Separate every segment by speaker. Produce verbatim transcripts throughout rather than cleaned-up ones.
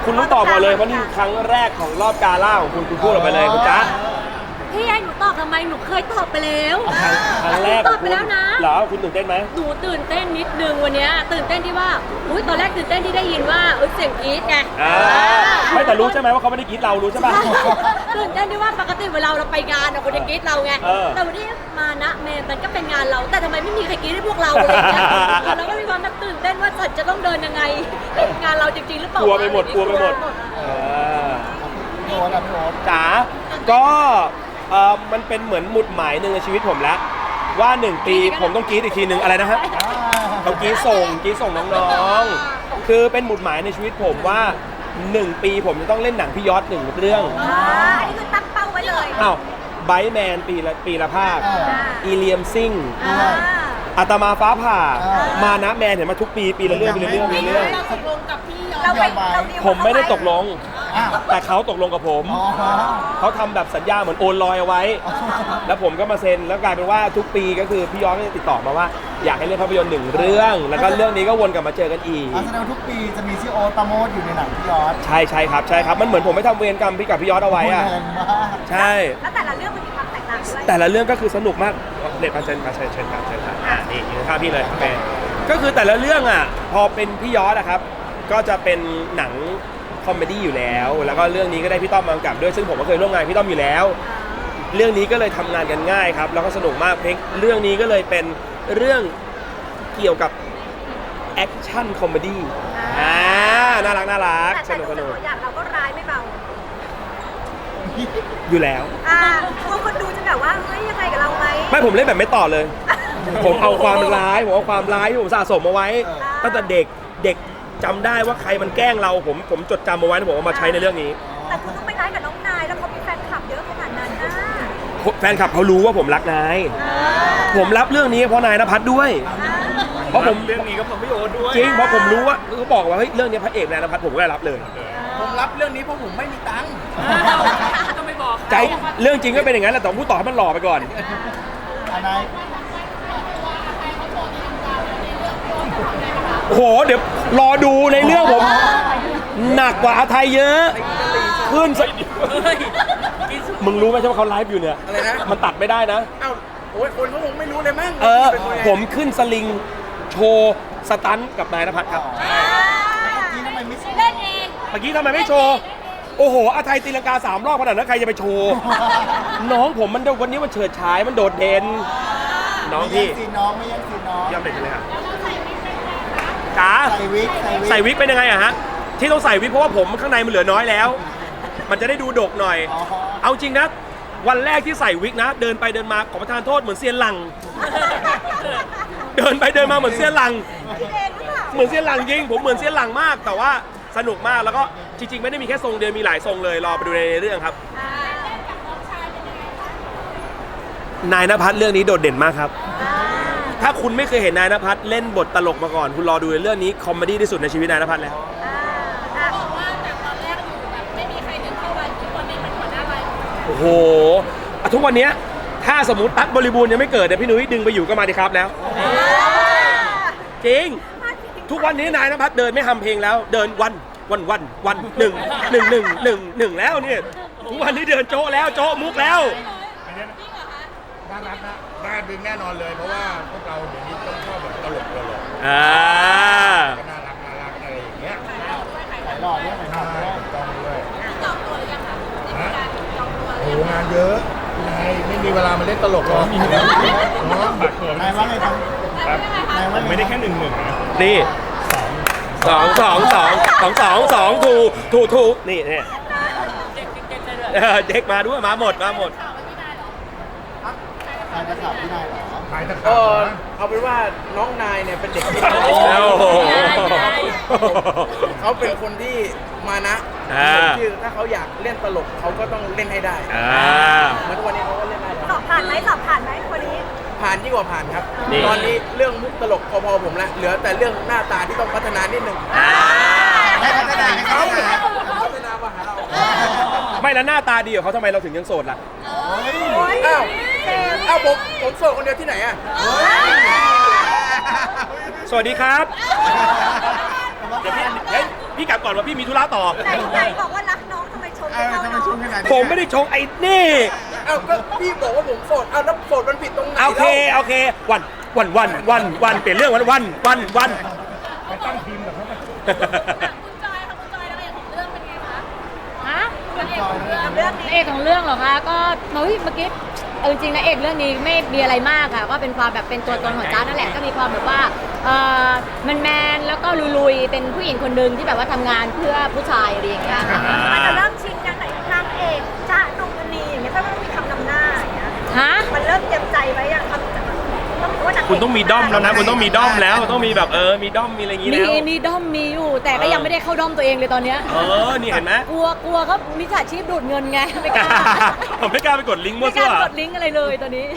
Speaker 1: คุณรู้ตอบมาเลยเพราะนี่ครั้งแรกของรอบกาล่าของคุณคุณพูดออกไปเลยคุณจ๊ะ
Speaker 2: พี่ไอ้หนูตอบทำไมหนูเคยตอบไปแล้ว
Speaker 1: ครั้งแรก
Speaker 2: ตอบไปแล้วนะ
Speaker 1: เหรอคุณตื่นเต้นไหม
Speaker 2: หนูตื่นเต้นนิดนึงวันนี้ตื่นเต้นที่ว่าอุ้ยตอนแรกตื่นเต้นที่ได้ยินว่าเออเสียงกรี๊ดไง
Speaker 1: ไม่แต่รู้ใช่ไหมว่าเขาไม่ได้กรี๊ดเรารู้ใช่ป่ะ
Speaker 2: ตื่นเต้นที่ว่าปกติเวลาเราไปงานเราคนจะกรี๊ดเราไงแต่วันนี้มานะเมนมันก็เป็นงานเราแต่ทำไมไม่มีใครกรี๊ดให้พวกเราอะไรอย่างเงี้ยเราก็มีความตื่นเต้นว่าฉันจะต้องเดินยังไงงานเราจริงๆหรือเปล่าก
Speaker 1: ลัวไปหมดกลัวไปหมด
Speaker 3: โน้ตอะพี่โน้ต
Speaker 1: จ๋าก็เออมันเป็นเหมือนหมุดหมายหนึ่งในชีวิตผมแล้วว่าหนึ่งปีผมต้องกรี๊ดอีกทีหนึ่งอะไรนะฮะต้องกรี๊ดส่งกรี๊ดส่งน้องๆคือเป็นหมุดหมายในชีวิตผมว่าหนึ่งปีผมจะต้องเล่นหนังพี่ยอดหนึ่งเรื่อง
Speaker 2: อันนี้คือตั้งเป้าไว้เลย
Speaker 1: อ้าวไบท์แมนปีละปีละภาคอีเลียมซิงอาตมาฟ้าผ่ามานะแมนเห็นมาทุกปีปีละเรื่องปีละเรื่องปีละเรื่อง
Speaker 2: เราตกลงกับพี่เราไป
Speaker 1: ผมไม่ได้ตกลงแต่เขาตกลงกับผมเขาทำแบบสัญญาเหมือนโอนลอยเอาไว้แล้วผมก็มาเซ็นแล้วกลายเป็นว่าทุกปีก็คือพี่ยอดก็จะติดต่อมาว่าอยากให้เล่นภาพยนตร์หนึ่งเรื่องแล้วก็เรื่องนี้ก็วนกลับมาเจอกันอีก
Speaker 3: แสดงทุกปีจะมีชื่อโอ๊ตปราโมทอยู่ในหนังพี่ยอด
Speaker 1: ใช่ใช่ครับใช่ครับมันเหมือนผมไม่ทำเวรกรรมพี่กับพี่ยอดเอาไว้อะใช่
Speaker 2: แล้วแต่ละเรื่องมันมีความแตกต่างด้วย
Speaker 1: แต่ละเรื่องก็คือสนุกมากเด็ดมาเชิญมาเชิญเชิญครับเชิญครับอ่านี่ยืนข้างพี่เลยโอเคก็คือแต่ละเรื่องอ่ะพอเป็นพี่ยอดอะครับก็จะเป็นหนังคอมเมดี้อยู่แล้วแล้วก็เรื่องนี้ก็ได้พี่ต้อมมากำกับด้วยซึ่งผมก็เคยร่วมงานพี่ต้อมอยู่แล้วเรื่องนี้ก็เลยทำงานกันง่ายครับแล้วก็สนุกมากเพลงเรื่องนี้ก็เลยเป็นเรื่องเกี่ยวกับแอคชั่นคอมเมดี้อ่าน่ารักน่ารักสนุกสนุก
Speaker 2: อย่างเราก็ร้ายไม่เบา
Speaker 1: อยู่แล้ว
Speaker 2: อ่าพวกคนดูจะแบบว่าเฮ้ยยังไงกับเราไหม
Speaker 1: ไม่ผมเล่นแบบไม่ต่อเลยผมเอาความร้ายผมเอาความร้ายที่ผมสะสมมาไว้ตั้งแต่เด็กเด็กจำได้ว่าใครมันแกล้งเราผมผมจดจำมาไว้ผมเอามาใช้ในเรื่องนี้
Speaker 2: แต่คุณต้องไปร้ายกับน้องนายแล้วเขามีแฟนคลับเยอะขนาดนั้นนะ
Speaker 1: แฟนคลับเขารู้ว่าผมรักนายผมรับเรื่องนี้เพราะนายณภัทรด้วยเพราะผม
Speaker 4: เรื่องนี้ก็ผมพี่โอ๊ตด้วย
Speaker 1: จริงเพราะผมรู้ว่าเขาบอกว่าเฮ้ยเรื่องนี้พระเอกนายณภัทรผมก็ได้รับเลย
Speaker 4: ผมรับเรื่องนี้เพราะผมไม่มีตังค์
Speaker 2: จะไม่บอก
Speaker 1: ใจเรื่องจริงก็เป็นอย่างนั้นแหละแต่พูดต่อให้มันหล่อไปก่อน
Speaker 3: อะไร
Speaker 1: โอ้โหเดี๋ยวรอดูในเรื่องผมหนักกว่าอาไทยเยอะขึ้นมึงรู้ไหมใช่ไหมเขาไลฟ์อยู่เนี่ย
Speaker 4: อะไรนะ
Speaker 1: มันตัดไม่ได้นะ
Speaker 4: อ้าวโอ้ยคนเขาคงไม่รู้เลยมั้ง
Speaker 1: เออผมขึ้นสลิงโชว์สตันกับนายณภัทรครับ
Speaker 2: เล่นเอง
Speaker 1: เมื่อกี้ทำไมไม่โชว์โอ้โหอาไทยตีลังกาสามรอบขนาดนั้นใครจะไปโชว์น้องผมมันวันนี้มันเฉิดฉายมันโดดเด่นน้องพี่
Speaker 3: สีน้องไม่ยังสีน้อง
Speaker 1: ยอมเด็กเลยครับจ๋า
Speaker 3: ใส่วิก
Speaker 1: ใส่วิกเป็นยังไงอะฮะที่ต้องใส่วิกเพราะว่าผมข้างในมันเหลือน้อยแล้วมันจะได้ดูดกหน่อยเอาจริงนะวันแรกที่ใส่วิกนะเดินไปเดินมาขอประทานโทษเหมือนเซียนหลังเดินไปเดินมาเหมือนเซียนหลังเหมือนเซียนหลังจริงผมเหมือนเซียนหลังมากแต่ว่าสนุกมากแล้วก็จริงๆไม่ได้มีแค่ทรงเดียวมีหลายทรงเลยรอไปดูในเรื่องครับนายณภัทรเรื่องนี้โดดเด่นมากครับถ้าคุณไม่เคยเห็นนายณภัทรเล่นบทตลกมาก่อนคุณรอดูในเรื่องนี้คอมเมดี้ที่สุดในชีวิตนายณภัทรแล้ว
Speaker 2: บอกว่าจากตอนแรกอยู่แบบไม่มีใครนึกเข้าไปทุกวันนี้เป็นหัวหน้าอะไร
Speaker 1: โอ้โหทุกวันนี้ถ้าสมมติตั๊กบริบูรณ์ยังไม่เกิดเนี่ยพี่นุ้ยดึงไปอยู่ก็มาดีครับแล้วจริงทุกวันนี้นายณภัทรเดินไม่ทำเพลงแล้วเดินวันวันวันวันหนึ่งหนึ่งหนึ่งหนึ่งหนึ่งแล้วเนี่ยทุกวันนี้เดินโจ๊ะแล้วโจ๊ะมุกแล้ว
Speaker 4: น่ารักนะน่าดึงแน่นอนเลยเพราะว่าพวกเราเดี๋ยวนี้ต้องชอบแบบตลกตลก
Speaker 1: อ่า
Speaker 4: น่ารักน่ารักอะไรอย่างเงี้ย
Speaker 3: ถ่ายหล่อด้วยถ่ายหล่อด้วย
Speaker 4: ต้องด้วย
Speaker 2: จองตัวหรือยังคะจองตัว
Speaker 4: โอ้งานเยอะนายไม่มีเวลามาเล่นตลกหรอกเนาะบัตรเกิน
Speaker 3: นายว่าไงครับ
Speaker 4: นายว่าไม่ได้แค่หนึ่งหนึ่งนะ
Speaker 1: นี่สองสองสองสองสองสองถูถูถูนี่เนี่ยเด็กมาด้วยมาหมดมาหมด
Speaker 3: ถ่ายตะขาบพี่นายเหรอ
Speaker 4: ถ่ายตะขาบเอาเป็นว่าน้องนายเนี่ยเป็นเด็กที่เขาเป็นคนที่มานะคือถ้าเขาอยากเล่นตลกเขาก็ต้องเล่นให้ได้เหมือนวันนี้เขาก็เล่นได้
Speaker 2: สอบผ่านไหมสอบผ่านไหมคนนี้
Speaker 4: ผ่านยิ่งกว่าผ่านครับตอนนี้เรื่องมุกตลกพอๆผมละเหลือแต่เรื่องหน้าตาที่ต้องพัฒนานิดนึง
Speaker 3: ให้พัฒนาให้เขา
Speaker 4: พัฒนามาหาเรา
Speaker 1: ไม่แล้วหน้าตาดีของเขาทำไมเราถึงยังโสดล่ะ
Speaker 4: อ้าวอ้าวผมผมโสดคนเดียวที่ไหนอ่ะ
Speaker 1: สวัสดีครับ
Speaker 4: เดี๋ยวพี่
Speaker 1: พี่กลับก่อนว่าพี่มีธุระต่อ
Speaker 2: ไหนไหนบอกว่ารักน้องทำไมชม
Speaker 3: เอ
Speaker 2: ไม่
Speaker 3: อ
Speaker 2: เท่า
Speaker 3: ทำไม
Speaker 2: น้อง
Speaker 3: ชมขนาดนี้
Speaker 1: ผมไม่ได้ชงไอ้นี่
Speaker 4: เอ้าก็พี่บอกว่าผมโสดเอ้าแล้วโสดมันผิดตรงไหน
Speaker 1: โอเค
Speaker 4: แล้ว
Speaker 1: โอเค วันวันวันวันวันเปลี่ยนเรื่องวันวันวันวัน
Speaker 2: คุณจอยค่ะคุณจอยแล้วเอกของเรื่องเป็นไงคะฮะนางเอกของเรื่องเรื่องนี้
Speaker 5: เอกของเรื่องเหรอคะก็เฮ้ยเมื่อกี้เอาจริงๆนะเอกเรื่องนี้ไม่มีอะไรมากค่ะก็เป็นความแบบเป็นตัวตนของจ้านั่นแหละก็มีความแบบว่าเออมันแมนแล้วก็ลุยๆเป็นผู้หญิงคนหนึ่งที่แบบว่าทำงานเพื่อผู้ชายอะไรอย่างเงี้ยค่ะ
Speaker 2: มันจะเริ่มชิงกันไหนนางเอกจ้าดงมณีอย่างเงี้ยถ้ามันมีคำนำหน้าอย่างเงี้ย
Speaker 5: ฮะ
Speaker 2: มันเริ่มเตรียมใจไว้อย่างคำต้องว่านางเก
Speaker 1: คุณต้องมีด้อมแล้วนะ คุณต้องมีด้อมแล้ว ต้องมีแบบเออ มีด้อม มีอะไรอย่างงี้
Speaker 5: มี
Speaker 1: แล้ว
Speaker 5: มีด้อมมีอยู่ แต่ก็ยังไม่ได้เข้าด้อมตัวเองเลยตอนเนี้ย
Speaker 1: เออ นี่เห็นไหม
Speaker 5: กลัวกลัวเขามิจฉาชีพดูดเงินไงไม่กล้า
Speaker 1: ผมไม่กล้าไปกดลิงก์มั่ว
Speaker 5: ไม่ก
Speaker 1: ซั่ว
Speaker 5: ล้ากดลิงก์อะไรเลยตอนนี้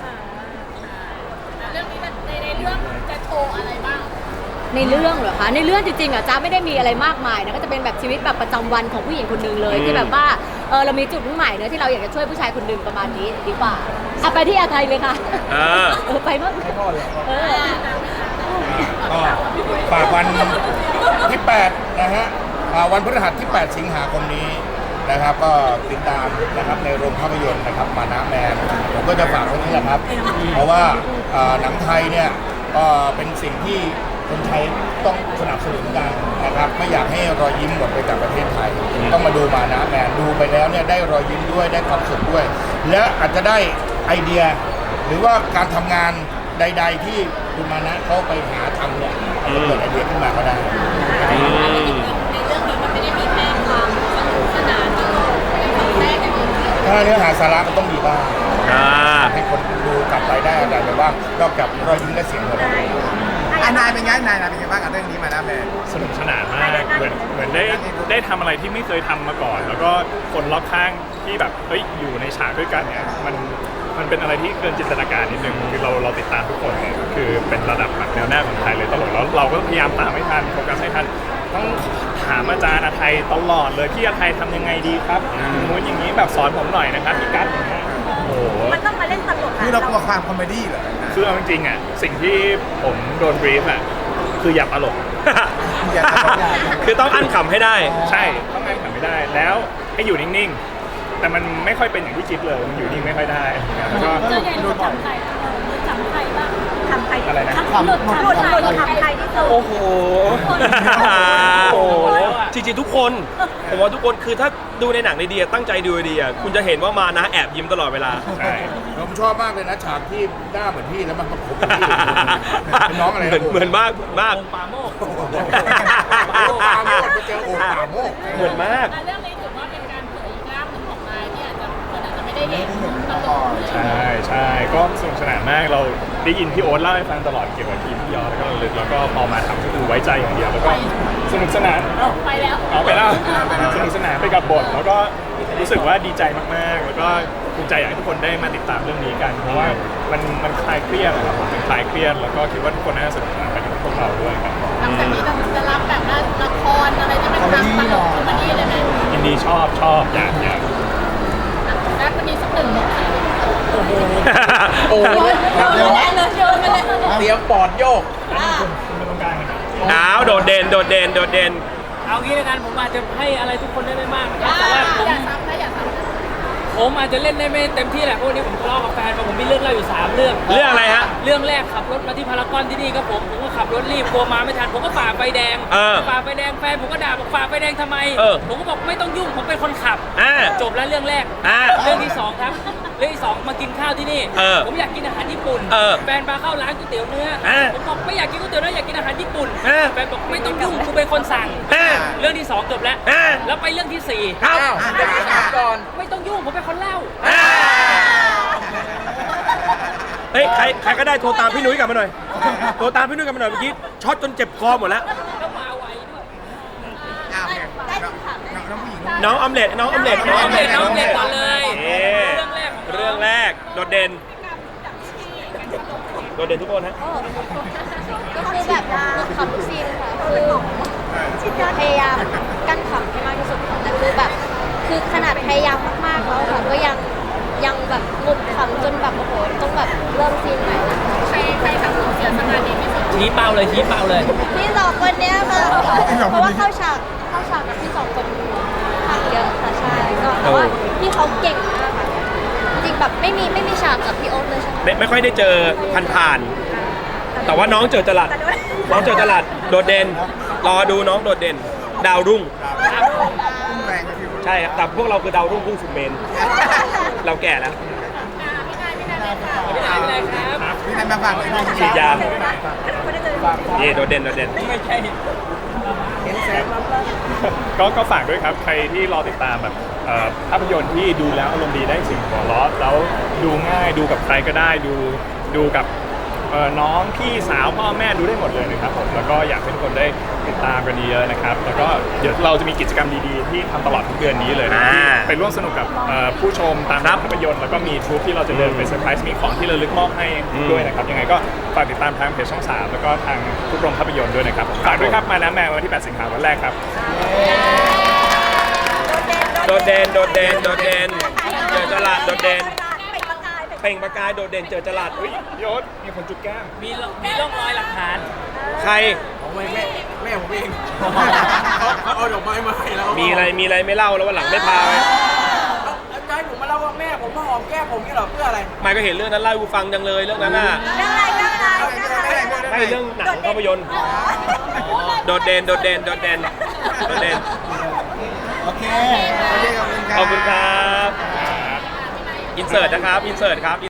Speaker 2: เรื่องนี้ในในเรื่องจะโชว์อะไรบ้าง
Speaker 5: ในเรื่องเหรอคะ ในเรื่องจริงๆอ่ะจ้าไม่ได้มีอะไรมากมายนะก็จะเป็นแบบชีวิตแบบประจำวันของผู้หญิงคนหนึ่งเลย
Speaker 1: อืม
Speaker 5: ที่แบบว่าเออเรามีจุดมุ่งหมายเนอะที่เราอยากจะช่วยผู้ชายคนหนึ่งประมาณนี้ดีกว่าอ่ะไปที่อาไทยเลยค่ะ
Speaker 1: เออ
Speaker 5: เออไปมั้งเออ
Speaker 6: ก็ฝากวันที่แปดนะฮะอ่าวันพฤหัสที่ แปด สิงหาคมนี้นะครับ ก็ติดตามนะครับในโรงภาพยนตร์นะครับมานะแมนผมก็จะฝากไว้นี่แหละครับ เพราะว่าอ่าหนังไทยเนี่ยก็เป็นสิ่งที่คนไทยต้องสนับสนุนกันนะครับไม่อยากให้รอยยิ้มหมดไปจากประเทศไทย ต้องมาดูมานะแมนดูไปแล้วเนี่ยได้รอยยิ้มด้วยได้ความสุขด้วย และอาจจะได้ไอเดีย หรือว่าการทำงานใด ๆ ที่คุณมานะเขาไปหาทำเนี่ยอาจจะเกิดไอเดียขึ้นมาก็ได้
Speaker 1: อืม
Speaker 2: ในเรื่องนี้มันไม่ได้มีแค่ความสนุกสนานเป็นความแรกในเรื่อง
Speaker 6: ถ้าเนื้อหาสาระมันต้องมีบ้าง
Speaker 1: อ่า
Speaker 6: ให้คนดูกลับไปได้อะไรไปบ้างนอกจากรอยยิ้มและเสียงหัวเราะ
Speaker 3: อ่ะนายเป็นไงนายนายเป็นไงบ้างกับเรื่องนี้มานะแม่
Speaker 7: สนุกสนานมากเหมือนเหมือนได้ได้ทำอะไรที่ไม่เคยทำมาก่อน แล้วก็คนรอบข้างที่แบบเฮ้ยอยู่ในฉากด้วยกันเนี่ยมันมันเป็นอะไรที่เกินจินตนาการนิดนึงคือเราเราติดตามทุกคนเนี่ยคือเป็นระดับแบบแนวหน้าของไทยเลยตลอดแล้วเราก็พยายามตามให้ทันโฟกัสให้ทันต้องถามอาจารย์อาไทยตลอดเลยพี่อาไทยทำยังไงดีครับอย่างนู้นอย่างนี้แบบสอนผมหน่อยนะครับพี่กั๊ดอย่างเงี้ยโอ้โห
Speaker 2: มันต้องมาเล่นตลก
Speaker 3: คือเรากลัวความคอมเมดี้เหรอ
Speaker 7: คือเอาจริงๆอ่ะสิ่งที่ผมโดนบรีฟอ่ะคืออย่าตลก
Speaker 3: อยากจะบอกอย่าง
Speaker 1: คือต้องอั้นขำให้ได้
Speaker 7: ใช่ต้องแรงขันไม่ได้แล้วให้อยู่นิ่งๆ แต่มันไม่ค่อยเป็นอย่างที่คิดเลยมันอยู่นิ่งไม่ค่อยได้แล้วก็
Speaker 2: เจอใหญ่ดูจำใครจำใครบ้างทำใคร
Speaker 7: อะไรนะ
Speaker 2: หลุดหลุดหลุดทำใครที่สุด
Speaker 1: โอ้โห โอ้โห จริงๆทุกคน ผมว่าทุกคนคือถ้าดูในหนังในดีอะตั้งใจดูดีอะคุณจะเห็นว่ามานะแอบยิ้มตลอดเวลา
Speaker 7: ใช่
Speaker 6: ผมชอบมากเลยนะฉากที่หน้าเหมือนพี่แล้วมันประกบกับพี่เป็นน้องอะไร
Speaker 1: เหมือนเหมือนมากมาก
Speaker 7: ปาโมก
Speaker 6: โอ้โหปาโมกปาโมกไปเจอโอ่งปาโมก
Speaker 1: เหมือนมาก
Speaker 2: เรื่องนี้ถือว่าเป็นการเผยอีกด้านหนึ่งของนายที่อาจจะคนอาจจะไม่ได้เห็นตลก
Speaker 7: ใช่ใช่ก็สนุกสนานมากเราได้ยินพี่โอ๊ตเล่าให้ฟังตลอดเกี่ยวกับทีมพี่ยอดแล้วก็ระลึกแล้วก็พอมาทำก็คือไว้ใจอย่างเดียวแล้วก็สนุกสนานเอ้า
Speaker 2: ไปแล้ว
Speaker 7: เอาไปแล้วสนุกสนานไปกับบทแล้วก็รู้สึกว่าดีใจมากๆ แล้วก็ภูมิใจอยากให้ทุกคนได้มาติดตามเรื่องนี้กัน เพราะว่ามันมันคลายเครียดนะครับผมมันคลายเครียดแล้วก็คิดว่าทุกคนน่าจะสนุกสนานไปกับพวกเราด้วยครับ
Speaker 2: หลังจากนี้เราจะรับแบบว่าละครอะไรจะเป็นทางตลกคอมเมดี้เลยไหม
Speaker 7: ยินดีชอบชอบอยากอยาก
Speaker 2: แล้ววันนี้สักหนึ่งบทค่ะ
Speaker 4: โอ้โห
Speaker 2: โยนเลยโยนไปเลย
Speaker 4: เตรียมปอดโยก
Speaker 7: คุณไม่ต้องการกันนะ
Speaker 1: อ้าวโดดเด่น โดดเด่น โดดเด่น
Speaker 8: เอางี้แล้วกันผมอาจจะให้อะไรทุกคนได้ไม่มากนะครับแต่ว่าผม
Speaker 2: อย่าซ้ำนะอย่าซ้ำ
Speaker 8: ผมอาจจะเล่นได้ไม่เต็มที่แหละเพราะวันนี้ผมทะเลาะกับแฟนมาผมมีเรื่องเล่าอยู่สามเรื่อง
Speaker 1: เรื่องอะไรฮะ
Speaker 8: เรื่องแรกขับรถมาที่พารากอนที่นี่ครับผมผมก็ขับรถรีบกลัวมาไม่ทันผมก็ฝ่าไฟแดง
Speaker 1: เออ
Speaker 8: ฝ่าไฟแดงแฟนผมก็ด่าบอกฝ่าไฟแดงทำไม
Speaker 1: เออ
Speaker 8: ผมก็บอกไม่ต้องยุ่งผมเป็นคนขับ
Speaker 1: อ่า
Speaker 8: จบแล้วเรื่องแรก
Speaker 1: อ่า
Speaker 8: เรื่องที่สองครับเรื่องที่สองมากินข้าวที่นี่
Speaker 1: เออ
Speaker 8: ผมอยากกินอาหารญี่ปุ่น
Speaker 1: เออ
Speaker 8: แฟนพาเข้าร้านก๋วยเตี๋ยวเนื้อ
Speaker 1: เออ
Speaker 8: ผมบอกไม่อยากกินก๋วยเตี๋ยวเนื้ออยากกินอาหารญี่ปุ่น
Speaker 1: เออ
Speaker 8: แฟนบอกไม่ต้องยุ่งกูเป็นคนสั่ง
Speaker 1: อ่า
Speaker 8: เรื่องที่สองจบแล้ว
Speaker 1: อ่า
Speaker 8: แล้วไปเรื่องที่สี่
Speaker 1: ครับ
Speaker 4: อ้าวเดี๋ยวถามก่อน
Speaker 8: ไม่ต้องยุ่งผมเป็นคนเล่า
Speaker 1: อ่าเฮ้ย ใคร ใครก็ได้โทรตามพี่นุ้ยกลับมาหน่อย โทรตามพี่นุ้ยกลับมาหน่อยเมื่อกี้ช็อตจนเจ็บคอหมดแล้ว
Speaker 8: แล้วมาไวด้วย
Speaker 3: อ้าวเนี่ยน้องผู้หญิง
Speaker 1: น้องออมเล็ตน้องออมเล็ต
Speaker 8: น้องเด็กน้องเด็กก่อนเลย
Speaker 1: เอ๊ะ
Speaker 8: เรื่องแรกของ
Speaker 1: เรื่องแรก โดดเด่น โดดเด่นทุกคนฮะ
Speaker 5: ก็คือแบบขำทุกซีนค่ะคือพยายามกั้นขำให้มากที่สุดค่ะแต่คือแบบคือขนาดพยายามมากๆแล้วค่ะก็ยังยังแบบหลุดขำจนแบบโอ้โหต้องแบบเริ่มซีนใหม่ละ
Speaker 2: ใครใครทำเสียสมาธิที่สุด
Speaker 8: ชี้เป้าเลยชี้เป้าเลย
Speaker 5: พี่สองคนเนี้ยค่ะเพราะว่าเข้าฉากากกับพี่สองคนทำเยอะค่ะใช่ก็แต่ว่าพี่เขาเก่งมากค่ะจริงๆแบบไม่มีไม่มีฉากกับพี่โอ๊ตเลยใช่ไหม
Speaker 1: ไม่ไม่ค่อยได้เจอผ่านๆแต่ว่าน้องเจอจรัสน้องเจอจรัสโดดเด่นรอดูน้องโดดเด่น ดาวรุ่ง
Speaker 3: แรงฟิว
Speaker 1: ใช่ครับแต่พวกเราคือดาวรุ่งพุ่งสุดเมน เราแก่แล้ว
Speaker 8: ไม่ได้ไม่ได้ครับ
Speaker 3: พี่นายมาฝากเลยพี่
Speaker 1: ฉีดยาเย่โดดเด่นโดดเด่น
Speaker 8: ไม่ใช่
Speaker 7: ก็ก็ฝากด้วยครับ ใครที่รอติดตามแบบเอ่อภาพยนตร์ที่ดูแล้วอารมณ์ดีได้ถึงหัวเราะแล้วดูง่ายดูกับใครก็ได้ดูดูกับเอ่อน้องพี่สาวพ่อแม่ดูได้หมดเลยนะครับผมแล้วก็อยากให้ทุกคนได้ติดตามกันเยอะๆนะครับแล้วก็เดี๋ยวเราจะมีกิจกรรมดีๆที่ทำตลอดทุกเดือนนี้เลยนะที่ไปร่วมสนุกกับเอ่อผู้ชมตามภาพยนตร์แล้วก็มีทรูปที่เราจะเดินไปเซอร์ไพรส์มีของที่ระลึกมอบให้ด้วยนะครับยังไงก็ฝากติดตามทางเพจช่องสามแล้วก็ทางทุกโรงภาพยนตร์ด้วยนะครับฝากด้วยครับมาน้ำแมววันที่แปดสิงหาคมวันแรกครับ
Speaker 1: โดดเด่นโดดเด่นโดดเด่นเจอจรัสโดดเด่นเปล่งประกายโดดเด่นเจอจรัส
Speaker 7: เฮ้ยยศมีคนจุดแก้ม
Speaker 8: มีมีร่องรอยหลักฐาน
Speaker 1: ใคร
Speaker 4: ของแม่แม่แม่ผมเองเขาเอาดอกไม้มาให้แล้ว
Speaker 1: มีอะไรมีอะไรไม่เล่าแล้ววันหลังไม่พาไป
Speaker 4: จะให้ผมมาเล่าว่าแม่ผมมาหอมแก้มผมนี่หรอเพื่ออะไร
Speaker 1: ไม่ก็เห็นเรื่องนั้นเล่าให้กูฟังจังเลยเรื่องนั้นน่ะ
Speaker 2: เรื่องอะไรเรื่องอะไรเรื่องอะไร
Speaker 1: ไม่เรื่องหนังภาพยนตร์โดดเด่นโดดเด่นโดดเด่นโดดเด่น
Speaker 3: โอเคโอเคขอบคุณครับ
Speaker 1: ขอบคุณครับอินเสิร์ตนะครับอินเสิร์ตครับ